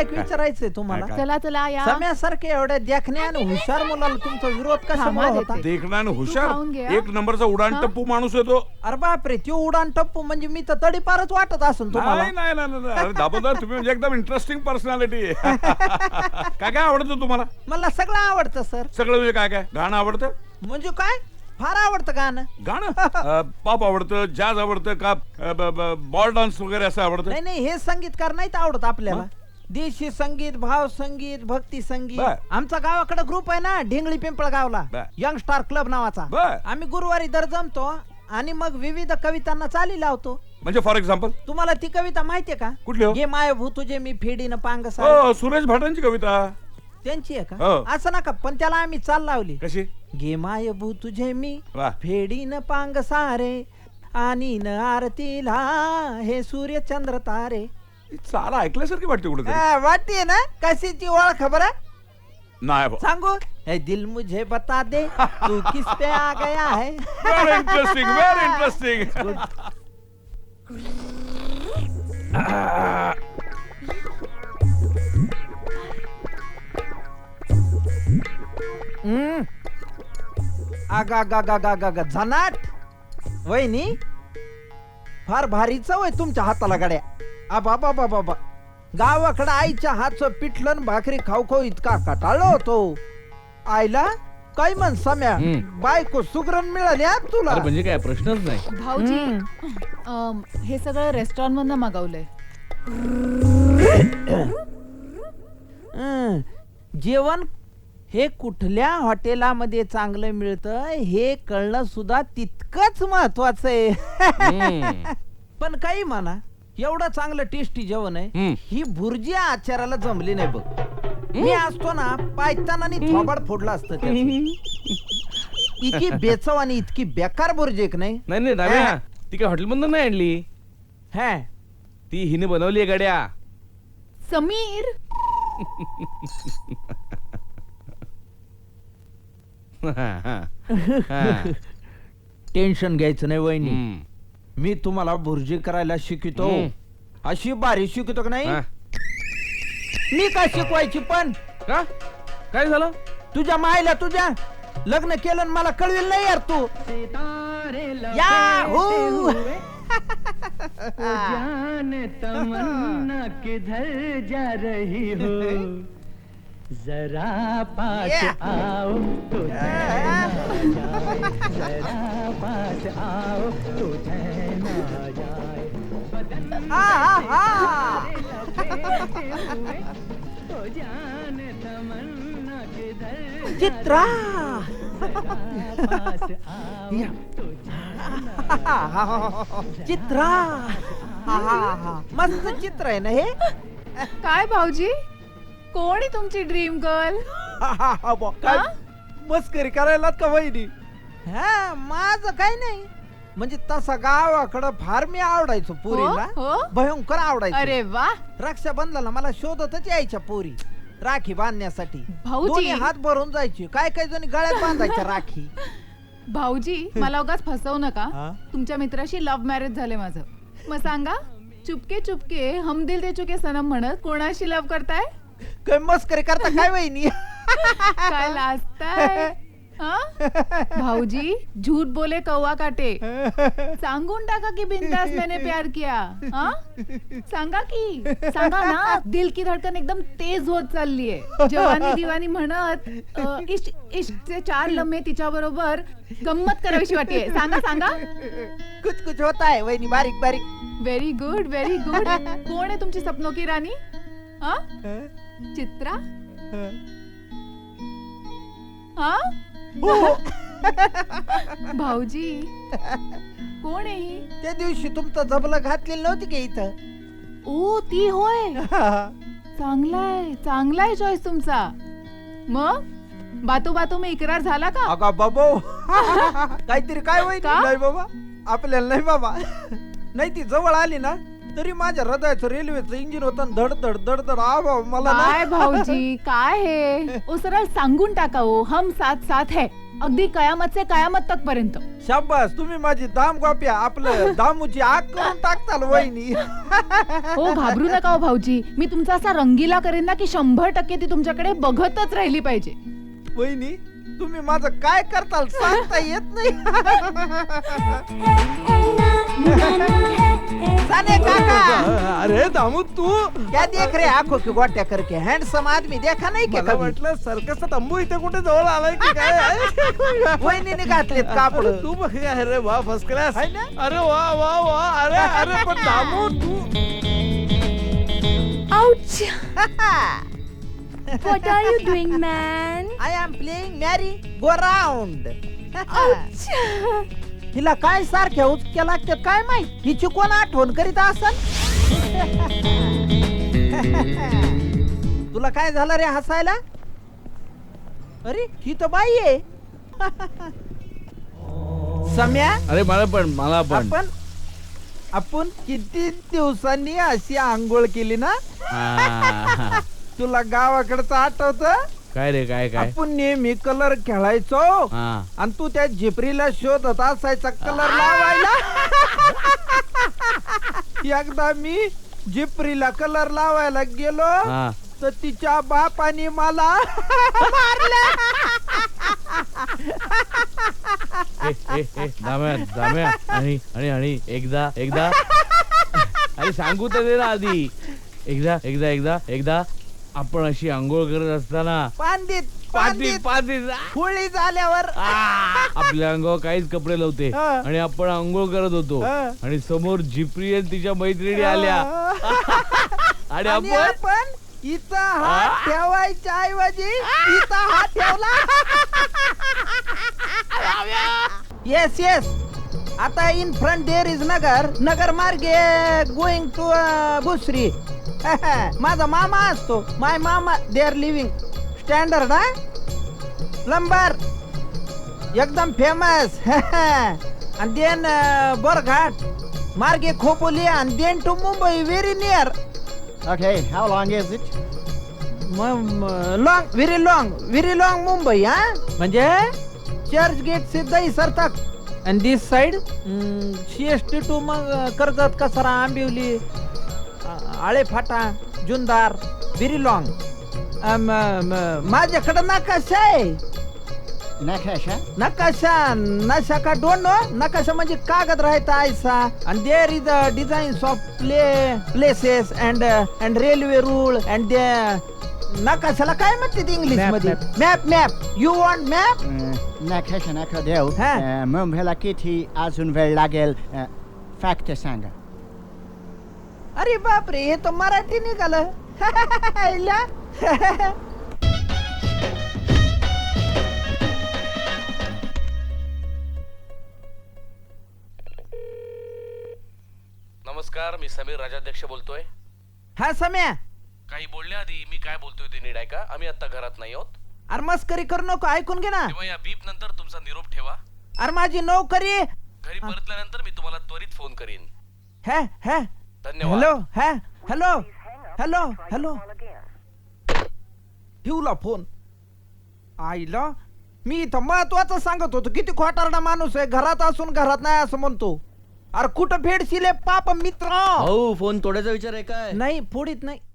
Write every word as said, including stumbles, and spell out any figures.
एक विचारायचंय तुम्हाला. काय? चला चला या सम्यासारखे एवढ्या देखण्या आणि हुशार मुलाला तुमचा विरोध कशामुळे थांबा होता? देते. देखणार तू हुशार खाऊन घे, हा. एक नंबरचा उडान हा? टप्पू माणूस येतो. अरे बापरे, त्यो उडान टप्पू म्हणजे मी तर तडीपारच वाटत असून तुम्हाला. नाही नाही नाही नाही. अरे दामोदर तुम्ही म्हणजे एकदम इंटरेस्टिंग पर्सनॅलिटी काय काय आवडतं तुम्हाला? मला सगळं आवडतं सर. सगळं म्हणजे काय काय गाणं आवडतं? म्हणजे काय फार आवडतं गाणं. गाणं पॉप आवडतं, जॅज आवडतं का बॉल डान्स वगैरे असं आवडतं? नाही नाही, हे संगीतकार नाहीत आवडत आपल्याला. देशी संगीत, भाव संगीत, भक्ती संगीत. बर. आमचा गावाकडे ग्रुप आहे ना ढिंगळी पिंपळगावला, बर. यंग स्टार क्लब नावाचा. बर. आम्ही गुरुवारी दर जमतो आणि मग विविध कवितांना चाली लावतो. म्हणजे फॉर एक्झाम्पल तुम्हाला ती कविता माहितीये का? कुठली हो? गे माय भू तुझे मी फेडीन पांग सारे. हो सुरेश भाटांची कविता. त्यांची आहे हो. का? असं नका, पण त्याला आम्ही चाल लावली. कशी? गे माय भू तुझे मी वा. फेडीन पांग सारे आणि न आरतीला हे सूर्य चंद्र तारे. चाला ऐकल्यासारखी वाटते कुठे वाटते ना कशीची ओळख खबर आहे? नाही बा. सांगू हे दिल मुझे बता दे तू किस पे आ गया है. Very interesting very interesting. Hmm. आगा गा गा गा गा गा झनाट वहिनी, फार भारी चव आहे तुमच्या हाताला गड्या. आबा बाबा बाबा, गावाकडे आईच्या हातचं पिठलं आणि भाकरी खाऊ खाऊ इतका कटाळलो होतो. आईला काय म्हण सम्या, हम्म. बायको सुगरण मिळाली हा तुला. अरे म्हणजे काय प्रश्नच नाही. भाऊजी अम, हे सगळं रेस्टॉरंट मधनं मागवलंय. हं. जेवण हे कुठल्या हॉटेलामध्ये चांगलं मिळतं हे कळणं सुद्धा तितकंच महत्वाचं आहे. हम्म. पण काही म्हणा, एवढं चांगलं टेस्टी जेवण आहे, हम्म. ही भुर्जी आचाराला जमली नाही बघ. मी असतो ना पायताना थोबाड फोडला असतं त्याचं. इतकी बेचव आणि इतकी बेकार भुर्जी एक नाही. नाही नाही दाम्या, हा. ती काय हॉटेल मधून नाही आणली, हा ती हिने बनवली आहे गड्या. समीर हा, हा. हा. टेन्शन घ्यायचं नाही वहिनी. हम्म. मी तुम्हाला भुर्जी करायला शिकवतो. हम्म. अशी बारी शिकवतो का नाही? हा. मी काय शिकवायची पण का काय झालं? तुझ्या मायला तुझ्या लग्न केलं आणि मला कळविल नाही यार तू. याहू. जान तमन्ना किधर जा रही हो, जरा पास Yeah. आओ तो चैन आ जाए, जरा पास आओ तो चैन आ जाए, बदन हा, हा, हा. लपेटे हुए, ओ जान तमन्ना किधर जा चित्रा. जरा पास आओ या. तो चैन आ चित्रा. हा, हा, हा. मस्त चित्र आहे ना हे. काय भाऊजी, कोण आहे तुमची ड्रीम गर्ल? हा, हा, हा, बुवा. काय हा? मस्करी करायला का वहिनी? हा माझं काय नाही, म्हणजे तसा गावाकडं फार मी आवडायचो पोरीला. हो, हो. भयंकर आवडायचो. अरे वा रक्षाबंधनाला मला शोधतच यायच्या पोरी राखी बांधण्यासाठी. भाऊजी. दोन्ही हात भरून जायची, काय काय जणी गळ्यात बांधायच्या राखी. भाऊजी मला उगाच फसवू नका. हा? तुमच्या मित्राशी लव्ह मॅरेज झाले माझं. मग सांगा, चुपके चुपके हम दिल दे चुके सनम म्हणत कोणाशी लव्ह करताय? काय मस्करी करता काय वहिनी? काय लाजताय? हा? भाऊजी झूठ बोले कौवा काटे. सांगून टाका की बिंदास मैंने प्यार किया. हा? सांगा की, सांगा ना. दिल की धडकन एकदम तेज होत चाललीये. जवानी दिवानी म्हणत अ, इश्क इश्कचे चार लम्हे तिच्या बरोबर गंमत करावीशी वाटते. सांगा सांगा. कुछ कुछ होता है वहिनी, बारीक बारीक. Very good very good. कोण आहे तुमची सपनों की राणी? हा? चित्रा? हा? भाऊजी कोण आहे ही? त्या दिवशी तुमचं जबलं घातलेलं नव्हती का इथं? ओ ती होय. चांगलाय चांगलाय चॉईस तुमचा. मग बातू बातू मी इकरार झाला का? अगा बाबो. काहीतरी काय वहिनी? का? नाही बाबा, आपल्याला नाही बाबा. नाही ती जवळ आली ना तरी माझ्या हृदयाचं रेल्वेचं इंजिन होतं धड धड धड धड. आ बाबा मला काय ना. भाऊजी काय हे? ओ सरळ सांगून टाका. ओ हम साथ साथ है. अगदी कयामत से कयामत तक पर्यंत. शाबास, तुम्ही माझी दाम गोप्या आपलं दामूची आग करून टाकताल वहिनी. हो घाबरू नका हो भाऊजी, मी तुमचा असा रंगीला करेन ना की शंभर टक्के ती तुमच्याकडे बघतच राहिली पाहिजे. वहिनी तुम्ही माझं काय करताल सांगता येत नाही. साने काका, अरे दामू तू क्या देख रे आंखों की गोट्या करके, हैंडसम आदमी देखा नाही की मला कभी? वाटलं सर्कसचा तंबू इथे कुठे जवळ आलाय की काय. वहिनीने घातलेत कापड. तू बघ अरे वा फर्स्ट क्लास. है ना? अरे वा वा वा अरे अरे पण दामू तू Ouch! What are you doing, man? I am playing merry go round. Ouch! हिला काय सारख्या उचक्या लागतात काय माहित, हिची कोण आठवण करीत असन. तुला काय झालं रे हसायला? अरे ही तर बाई आहे. सम्या, अरे मला पण मला पण आपण आपण किती दिवसांनी अशी आंघोळ केली ना. हा. तुला गावाकडचं आठवत? काय रे काय काय आपण नेहमी कलर खेळायचो हा आणि तू त्या झिपरीला शोधत असायचा कलर लावायला. एकदा मी झिपरीला कलर लावायला गेलो हा तर तिच्या बापाने मला मारलं. ए, ए, ए, दाम्या दाम्या आणि आणि आणि एकदा एकदा अरे सांगू तर दे ना आधी. एकदा एकदा एकदा एकदा आपण अशी आंघोळ करत असताना पांदीत पाती पांदीत पाती होळी झाल्यावर आपल्या अंगावर काहीच कपडे नव्हते हा. आणि आपण आंघोळ करत होतो हा. आणि समोर झिपरी आणि तिच्या मैत्रिणी आल्या आणि आणि आपण आपण इथं हात ठेवायच्या ऐवजी इथं हात ठेवला. येस येस, आता in front there is Nagar, Nagar मार्गे गोइंग टू भुसरी. माझा मामा असतो, माय मामा दे आर लिव्हिंग स्टँडर्ड हा प्लंबर एकदम फेमस. आणि देन बोरघाट मार्गे खोपोली आणि then to Mumbai very near. Okay, how long is it? Long very long very long Mumbai हा, म्हणजे चर्च गेट से दहीसर तक. आणि this side C S T to मग कर्जत कसारा आंबिवली आळे फाटा जुन्नर व्हेरी लॉंग. माझ्याकडे नकाशा आहे. Nakasha? नकाशा नशा का डोंट नो, नकाशा म्हणजे कागद राहता ऐसा. आणि there is a designs of play places and and railway रूळ अँड नकाशाला काय म्हणतात इंग्लिश Map, मध्ये? map. Map map you want map? Uh, Nakasha Nakadev. Ha. Uh, मुंबईला किती अजून वेळ लागेल? फॅक्ट सांगा. अरे बापरे, हे तर मराठी निघालं. हिला. नमस्कार, मी समीर राजाध्यक्ष बोलतोय. हा सम्या, काही बोलण्याआधी मी काय बोलतोय ते नीट ऐका. आम्ही आता घरात नाही आहोत, अरे मस्करी करू नको, ऐकून घे ना. तेव्हा या बीप नंतर तुमचा निरोप ठेवा. अरे माझी नोकरी. घरी परतल्यानंतर मी तुम्हाला त्वरित फोन करीन. हा हा धन्यवाद. हॅलो हा हॅलो हॅलो हॅलो ठेवला फोन. आईला मी इथं महत्वाचं सांगत होतो, किती खोटारडा माणूस आहे, घरात असून घरात नाही असं म्हणतो. अरे कुठं फेडशील पाप मित्र. भाऊ फोन तोडायचा विचार आहे काय? नाही फोडीत नाही.